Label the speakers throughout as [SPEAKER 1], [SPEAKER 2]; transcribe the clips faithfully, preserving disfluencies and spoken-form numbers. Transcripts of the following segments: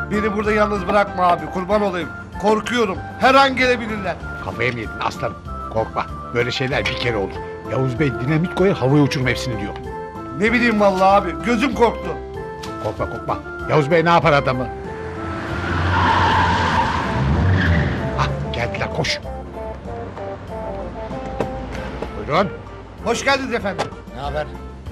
[SPEAKER 1] Beni burada yalnız bırakma abi, kurban olayım. Korkuyorum, her an gelebilirler.
[SPEAKER 2] Kafaya mı yedin aslanım? Korkma. Böyle şeyler bir kere olur. Yavuz Bey dinamit koyar havaya uçurum hepsini diyor.
[SPEAKER 1] Ne bileyim vallahi abi, gözüm korktu.
[SPEAKER 2] Korkma korkma. Yavuz Bey ne yapar adamı? Ah geldiler koş. Buyurun.
[SPEAKER 1] Hoş geldiniz efendim.
[SPEAKER 2] Ne haber?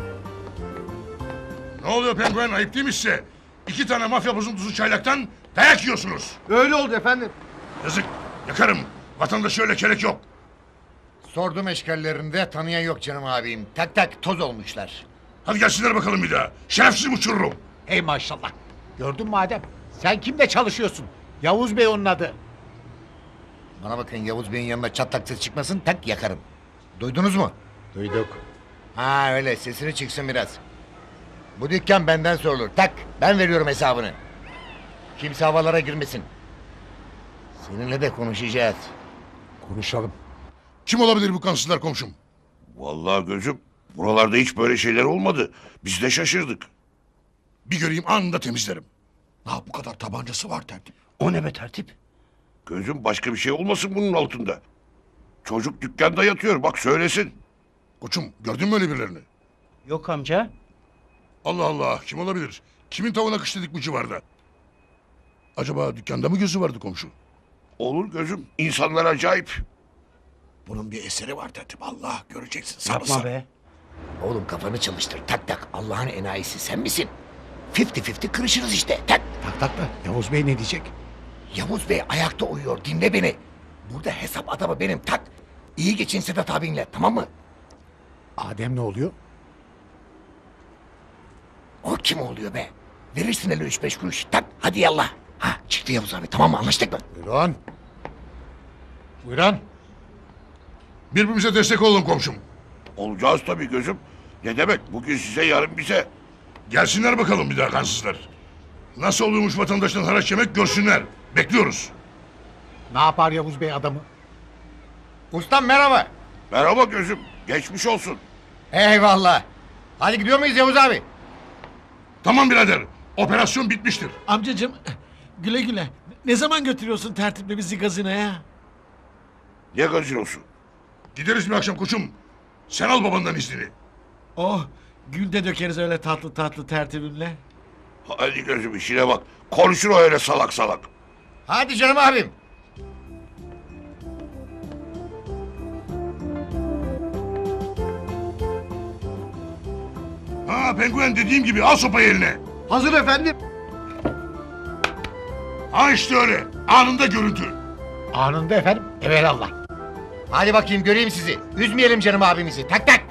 [SPEAKER 3] Ne oluyor penguen, ayıp değil mi size? İki tane mafya bozuntusu çaylaktan dayak yiyorsunuz.
[SPEAKER 1] Öyle oldu efendim.
[SPEAKER 3] Yazık, yakarım. Vatandaşı öyle kelek yok.
[SPEAKER 4] Sordum eşkallerinde tanıyan yok canım abim. Tak tak toz olmuşlar.
[SPEAKER 3] Hadi gelsinler bakalım bir daha. Şerefsiz uçururum.
[SPEAKER 2] Hey maşallah. Gördün mü Adem? Sen kimle çalışıyorsun? Yavuz Bey onun adı.
[SPEAKER 4] Bana bakın Yavuz Bey'in yanına çatlak ses çıkmasın tak yakarım. Duydunuz mu?
[SPEAKER 2] Duyduk.
[SPEAKER 4] Ha öyle sesini çıksın biraz. Bu dükkan benden sorulur. Tak ben veriyorum hesabını. Kimse havalara girmesin. Seninle de konuşacağız.
[SPEAKER 2] Konuşalım.
[SPEAKER 3] Kim olabilir bu kansızlar komşum?
[SPEAKER 5] Vallahi gözüm, buralarda hiç böyle şeyler olmadı. Biz de şaşırdık.
[SPEAKER 3] Bir göreyim anında temizlerim. Ne bu kadar tabancası var tertip.
[SPEAKER 5] O ne be tertip? Gözüm başka bir şey olmasın bunun altında. Çocuk dükkanda yatıyor, bak söylesin.
[SPEAKER 3] Koçum gördün mü öyle birilerini?
[SPEAKER 6] Yok amca.
[SPEAKER 3] Allah Allah, kim olabilir? Kimin tavuğuna kış dedik bu civarda? Acaba dükkanda mı gözü vardı komşu?
[SPEAKER 5] Olur gözüm, insanlar acayip.
[SPEAKER 3] Bunun bir eseri var tertip. Allah göreceksin.
[SPEAKER 6] Yapma be.
[SPEAKER 4] Oğlum kafanı çalıştır. Tak tak Allah'ın enayisi sen misin? Fifty fifty kırışırız işte. Tak.
[SPEAKER 2] Tak tak da Yavuz Bey ne diyecek?
[SPEAKER 4] Yavuz Bey ayakta uyuyor. Dinle beni. Burada hesap adamı benim. Tak. İyi geçin Sedat abinle. Tamam mı?
[SPEAKER 2] Adem ne oluyor?
[SPEAKER 4] O kim oluyor be? Verirsin hele üç beş kuruş. Tak. Hadi yallah. Ha çıktı Yavuz abi. Tamam mı? Anlaştık mı?
[SPEAKER 2] Buyurun. Buyurun.
[SPEAKER 3] Birbirimize destek olalım komşum.
[SPEAKER 5] Olacağız tabii gözüm. Ne demek, bugün size yarın bize.
[SPEAKER 3] Gelsinler bakalım bir daha kansızlar. Nasıl oluyormuş vatandaştan haraç yemek görsünler. Bekliyoruz.
[SPEAKER 2] Ne yapar Yavuz Bey adamı?
[SPEAKER 4] Ustam merhaba.
[SPEAKER 5] Merhaba gözüm, geçmiş olsun.
[SPEAKER 4] Eyvallah. Hadi gidiyor muyuz Yavuz abi?
[SPEAKER 3] Tamam birader, operasyon bitmiştir.
[SPEAKER 6] Amcacığım güle güle. Ne zaman götürüyorsun tertiple bizi gazinoya?
[SPEAKER 5] Ne gazinosu?
[SPEAKER 3] Gideriz bir akşam koçum. Sen al babandan iznini.
[SPEAKER 6] Oh gül de dökeriz öyle tatlı tatlı tertibimle.
[SPEAKER 5] Hadi gözüm işine bak. Konuşur o öyle salak salak.
[SPEAKER 4] Hadi canım abim.
[SPEAKER 3] Ha penguen dediğim gibi al sopayı eline.
[SPEAKER 1] Hazır efendim.
[SPEAKER 3] Ha işte öyle. Anında görüntü.
[SPEAKER 2] Anında efendim. Evelallah.
[SPEAKER 4] Hadi bakayım göreyim sizi. Üzmeyelim canım abimizi. Tak tak.